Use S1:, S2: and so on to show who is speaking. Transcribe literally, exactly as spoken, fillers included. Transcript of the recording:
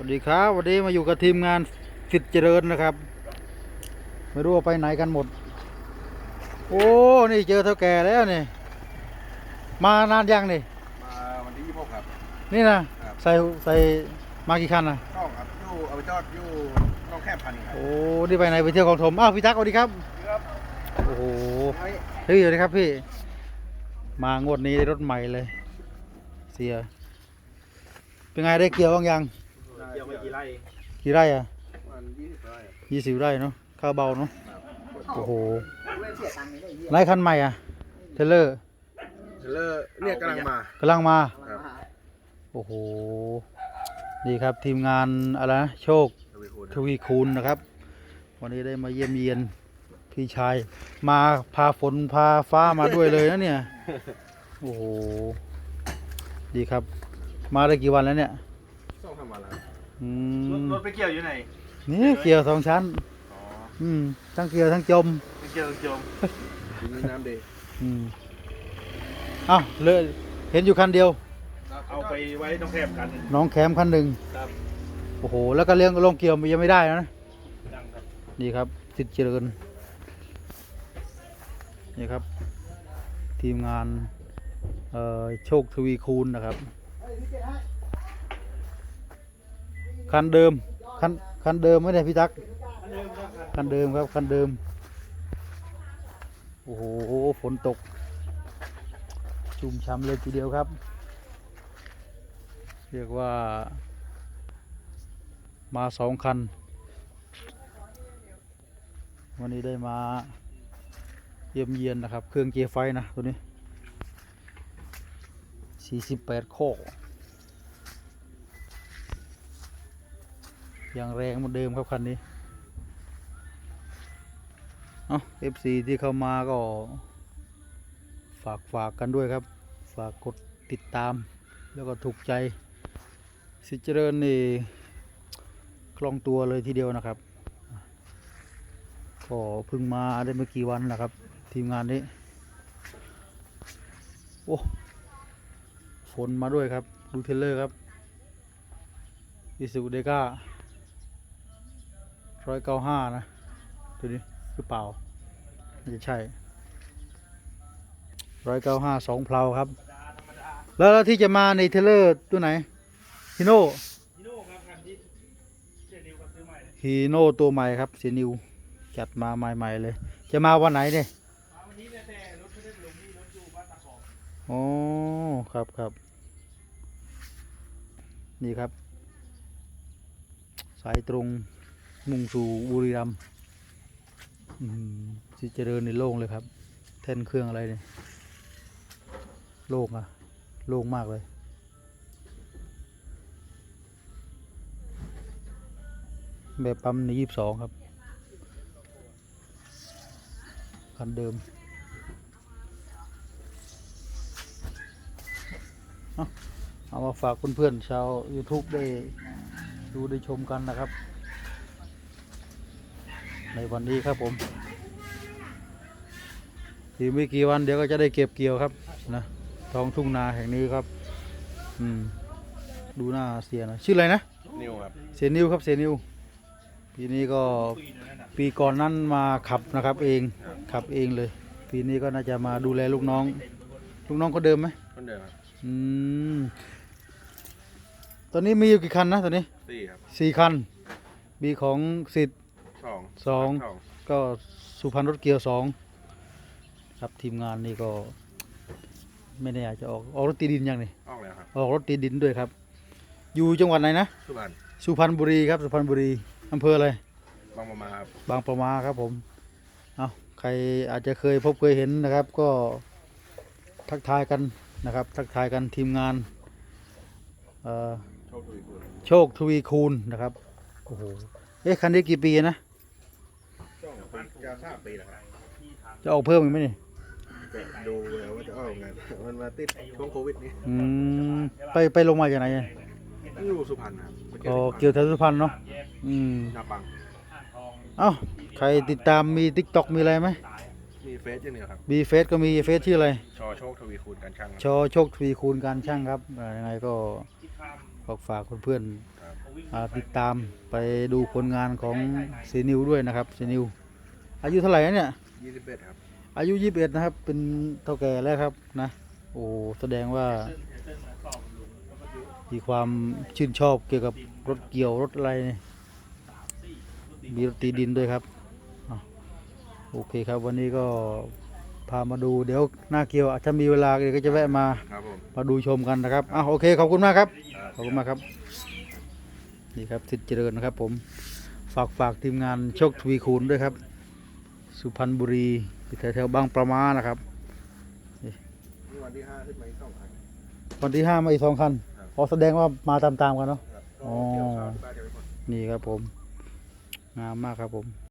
S1: วัสดีครับวันนี้มาอยู่กับทีมงานสิทธิ์เจริญนะครับไม่รู้ว่าไปไหนกันหมดโอ้นี่เจอเท่าแก่แล้วนี่มานานยังนี่
S2: มาวันที่ยี่สิบหกครับ
S1: นี่นะใส่ใส่มากี่คันนะ
S2: ช่องครับอยู่เอาไปจอดอยู่ต้องแคบพันครับ
S1: โอ้นี่ไปไหนไปเที่ยวของถมอ้าวพี่ทักสวัสดีครับ
S2: ครับ
S1: โอ้โหเฮ้ยสวัสดีครับพี่มางวดนี้ได้รถใหม่เลยเสียเป็นไงได้เกี่ยวบ้างยัง
S2: เกี่ยวไม่กี่ไร่
S1: กี่ไร่อะ
S2: มันยี่สิบไร่
S1: ยี่สิบไร่เนาะข้าวเบาเนาะโอ้โหไล่คันใหม่อ่ะเทเลอร์
S2: เทเลอร์เนี่ยกำลังมาก
S1: ำลังมาโอ้โหดีครับทีมงานอะไรนะโชคทวีคูณนะครับวันนี้ได้มาเยี่ยมเยียนพี่ชายมาพาฝนพาฟ้ามาด้วยเลยนะเนี่ยโอ้โหดีครับมาได้กี่วันแล้วเนี่ย
S2: ต้องทำอะไร
S1: ร
S2: ถไปเกี่ยวอยู่ไหน
S1: นี่เกี่ยวสองชั้นอืมทั้งเกี่ยวทั้งจม
S2: เกี่ยวทั้งจมมีน้ำดี
S1: อืมอ้าวเลยเห็นอยู่คันเดียว
S2: เอาไปไว้น้องแคมคัน
S1: น้องแคมคันหนึ่งโอ้โหแล้วก็เลี้ยงลงเกี่ยวยังไม่ได้นะนี่ครับสิทธิ์เจริญนี่ครับทีมงานโชคทวีคูณนะครับคันเดิมคันคันเดิมไม่ได้พี่ตั๊กคันเดิมครับคันเดิมโอ้โหฝนตกชุ่มฉ่ำเลยทีเดียวครับเรียกว่ามาสองคันวันนี้ได้มาเยี่ยมเยียนนะครับเครื่องเกียร์ไฟนะตัวนี้สี่สิบแปดโคกอย่างแรงเหมือนเดิมครับคันนี้เอ้า เอฟ ซี ที่เข้ามาก็ฝากฝากกันด้วยครับฝากกดติดตามแล้วก็ถูกใจสิทธิ์เจริญนี่คล่องตัวเลยทีเดียวนะครับก็เพิ่งมาได้ไม่กี่วันนะครับทีมงานนี้โอ้ฝนมาด้วยครับดูเทเลอร์ครับอิสุเดก้าร้อยเก้าห้านะตัวนี้หรือเปล่าไม่ใช่ร้อยเก้าห้าสองเพลาครับแล้วที่จะมาในเทเลอร์ตัวไหนฮีโน่ฮีโน่ตัวใหม่ครับเซนิวจัดมาใหม่ๆเลยจะมาวันไหนเนี่ยอ๋อครับครับนี่ครับสายตรงมุ่งสู่บุรีรัมย์สิเจริญในโล่งเลยครับแท่นเครื่องอะไรเนี่ยโล่งอะโล่งมากเลยแบบปั๊มในยี่สิบสองครับคันเดิมเอามาฝากเพื่อนๆชาว ยูทูบ ได้ดูได้ชมกันนะครับในวันนี้ครับผมอีกไม่กี่วันเดี๋ยวก็จะได้เก็บเกี่ยวครับนะท้องทุ่งนาแห่งนี้ครับอืมดูหน้าเสียนะชื่ออะไรนะ
S2: นิวครับ
S1: เสียนิวครับเสียนิวปีนี้ก็ปีก่อนนั้นมาขับนะครับเองขับเองเลยปีนี้ก็น่าจะมาดูแลลูกน้องลูกน้องก็เดิมไหม
S2: คนเดิมครับ
S1: อืมตอนนี้มีอยู่กี่คันนะตอนนี้
S2: สี่ครับ
S1: สี่คันมีของสิทธิ์
S2: สอง
S1: สองก็สุพรรณรถเกียวสองครับทีมงานนี่ก็ไม่แน่อาจจะออกออกรถตีดินยังนี่
S2: ออกแล้วครับ
S1: ออกรถตีดินด้วยครับอยู่จังหวัดไหนนะ
S2: สุพรรณ
S1: สุพรรณบุรีครับสุพรรณบุรีอำเภออะไร
S2: บางประมาครับ
S1: บางประมาครับผมเอาใครอาจจะเคยพบเคยเห็นนะครับก็ทักทายกันนะครับทักทายกันทีมงานโชคทวีคูณนะครับโอ้โหเอ๊ะคันนี้กี่ปีนะ
S2: จะทราบปีแล้วครับ
S1: จะออกเพิ่มอีกไหมนี่
S2: ดูแล้วว่าจะออกไงมันมาติดช่วงโควิดนี้
S1: อืมไปไปลงมาจากไหนเนี่ย
S2: อยู่สุพรรณครับ
S1: ก็เกี่ยวแถวสุพรรณเนาะอืม
S2: นาปัง
S1: เอ้าใครติดตามมี ติ๊กต็อก มีอะไรไหม
S2: มีเฟซอย่างเดียวครับ
S1: มีเฟซก็มีเฟซชื่ออะไร
S2: ชอโชคทวีคูณการช่าง
S1: ชอโชคทวีคูณการช่างครับยังไงก็ฝากฝากเพื่อนๆอ่าติดตามไปดูผลงานของเซนิวด้วยนะครับเซนิวอายุเท่าไหร่นะเนี่ย
S2: ยี่สิบเอ็ดครับ
S1: อายุยี่สิบเอ็ดนะครับเป็นเท่าแก่แล้วครับนะโอ้แสดงว่ามีความชื่นชอบเกี่ยวกับรถเกี่ยวรถอะไรเนี่ยมีรถตีดินด้วยครับอ่ะโอเคครับวันนี้ก็พามาดูเดี๋ยวหน้าเกี่ยวอาจจะมีเวลาเดี๋ยวก็จะแวะมา
S2: ครับผม
S1: มาดูชมกันนะครับอ่ะโอเคขอบคุณมากครับขอบคุณมากครับนี่ครับสิทธิ์เจริญนะครับผมฝากฝากทีมงานโชคทวีคูณด้วยครับสุพรรณบุรีแถวแถวๆบางประมานะครับ
S2: นี่วันที่ห้าขึ้นมาอีกสองครั้ง
S1: วันที่ห้ามาอีกสองคัน
S2: ครับ
S1: อ๋อแสดงว่ามาตามๆกันเนาะ
S2: ครับ
S1: อ๋อ
S2: ก็เกี่ยวข้าวที่บ้านยังไม่หมด
S1: นี่ครับผมงามมากครับผม